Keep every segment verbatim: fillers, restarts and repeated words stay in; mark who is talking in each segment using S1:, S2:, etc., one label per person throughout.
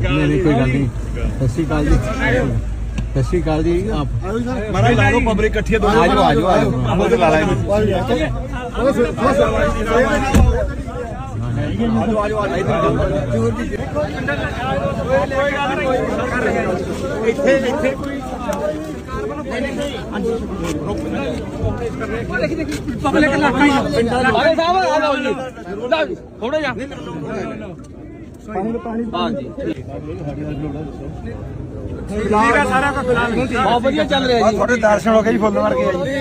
S1: नहीं कोई गल नहीं। सत श्री अकाल जी, सत श्री अकाल जी। आप
S2: महाराज ला दो पब्लिक इकट्ठी है।
S1: आ जाओ आ जाओ आ जाओ
S2: उधर ला ला
S3: पब्लिक इलाका ही अरे साहब आ जाओ जी थोड़ा जा हाँ जी सारा का फिलहाल बहुत बढ़िया चल रहा है जी।
S2: थोड़े दर्शन हो गए जी फुੱਲ ਮਾਰ ਕੇ ਆਈ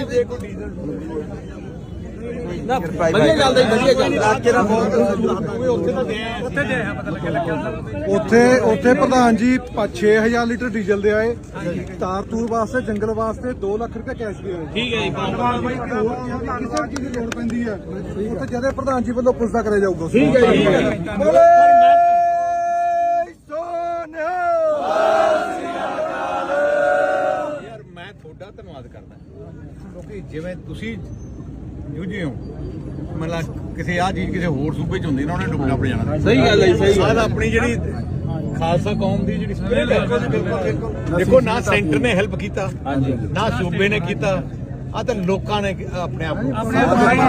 S3: ना बढ़िया चलदा जी बढ़िया चलदा
S2: ਇਲਾਕੇ ਦਾ ਬਹੁਤ
S3: ਉੱਥੇ ਤਾਂ ਦੇ ਉੱਥੇ ਦੇ ਪਤਾ ਲੱਗਿਆ ਲੱਗਿਆ
S4: ਉੱਥੇ ਉੱਥੇ ਪ੍ਰਧਾਨ ਜੀ ਛੇ ਹਜ਼ਾਰ ਲੀਟਰ ਡੀਜ਼ਲ ਦੇ ਆਏ, ਤਾਰ ਤੂਰ ਵਾਸਤੇ ਜੰਗਲ ਵਾਸਤੇ ਦੋ ਲੱਖ ਰੁਪਏ ਕੈਸ਼ ਦੇ ਆਏ।
S3: ਠੀਕ ਹੈ ਜੀ
S4: ਕਿਸੇ ਚੀਜ਼ ਦੀ ਲੋੜ ਪੈਂਦੀ ਹੈ ਉੱਥੇ ਜਦੇ ਪ੍ਰਧਾਨ ਜੀ ਵੱਲੋਂ ਪੁੱਛਦਾ ਕਰਿਆ ਜਾਊਗਾ।
S3: ਠੀਕ ਹੈ ਜੀ
S2: ਯਾਰ ਮੈਂ ਤੁਹਾਡਾ ਧੰਨਵਾਦ ਕਰਦਾ ਕਿਉਂਕਿ ਜਿਵੇਂ ਤੁਸੀਂ ਜੂਝੇ ਹੋ ਮਤਲਬ ਕਿਸੇ ਆ ਚੀਜ਼ ਕਿਸੇ ਹੋਰ ਸੂਬੇ ਚ ਹੁੰਦੀ ਨਾ ਉਹਨੇ ਡੁੱਬਣਾ ਪੜ ਜਾਣਾ।
S3: ਸਹੀ ਗੱਲ ਹੈ ਸਹੀ
S2: ਸਾਡਾ ਆਪਣੀ ਜਿਹੜੀ ਖਾਲਸਾ ਕੌਮ ਦੀ ਜਿਹੜੀ ਸਪਿਰਿਟ ਹੈ ਦੇਖੋ ਨਾ ਸੈਂਟਰ ਨੇ ਹੈਲਪ ਕੀਤਾ ਨਾ ਸੂਬੇ ਨੇ ਕੀਤਾ ਆ ਤਾਂ ਲੋਕਾਂ ਨੇ ਆਪਣੇ ਆਪ ਨੂੰ
S4: ਵੀ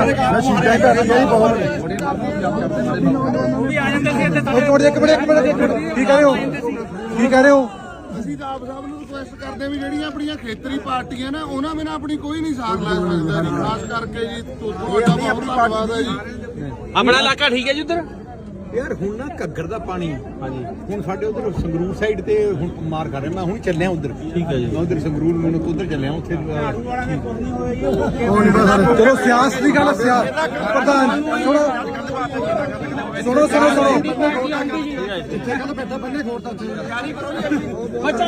S3: ਆ ਜਾਂਦੇ ਸੀ ਇੱਥੇ
S4: ਇੱਕ ਮਿੰਟ ਇੱਕ ਮਿੰਟ ਇੱਕ ਮਿੰਟ ਇੱਕ ਮਿੰਟ ਕੀ ਕਹਿ ਰਹੇ ਹੋ ਕੀ ਕਹਿ ਰਹੇ ਹੋ?
S5: ਅਸੀਂ ਤਾਂ ਆਪ ਸਾਹਿਬ ਨੂੰ ਰਿਕੁਐਸਟ ਕਰਦੇ ਹਾਂ ਵੀ ਜਿਹੜੀਆਂ ਆਪਣੀਆਂ ਖੇਤਰੀ ਪਾਰਟੀਆਂ ਨੇ ਉਹਨਾਂ ਬਿਨਾਂ ਆਪਣੀ ਕੋਈ ਨਹੀਂ ਸਾਥ ਲੈ ਸਕਦਾ ਜੀ। ਖਾਸ ਕਰਕੇ ਜੀ ਤੁਹਾਡਾ ਬਹੁਤ ਧੰਨਵਾਦ ਹੈ ਜੀ।
S3: ਆਪਣਾ ਇਲਾਕਾ ਠੀਕ ਹੈ ਜੀ ਉਧਰ
S2: ਯਾਰ ਹੁਣ ਨਾ ਘੱਗਰ ਦਾ ਪਾਣੀ ਹਾਂਜੀ ਹੁਣ ਸਾਡੇ ਉਧਰ ਸੰਗਰੂਰ ਸਾਈਡ ਤੇ ਹੁਣ ਮਾਰ ਕਰ ਰਿਹਾ। ਮੈਂ ਹੁਣ ਚੱਲਿਆ ਉਧਰ ਠੀਕ ਹੈ ਜੀ ਮੈਂ ਉਧਰ ਸੰਗਰੂਰ ਮੈਨੂੰ ਉਧਰ ਚੱਲਿਆ ਉੱਥੇ
S4: ਚਲੋ ਸਿਆਸਤ ਦੀ ਗੱਲ ਸਿਆਸਤ ਪ੍ਰਧਾਨ ਸੁਣੋ ਸੁਣੋ ਸੁਣੋ ਸੁਣੋ ਇੱਥੇ ਗੱਲ ਬੈਠਾ ਬੰਦੇ ਖੋਰ ਤਾਂ
S3: ਬੱਚਾ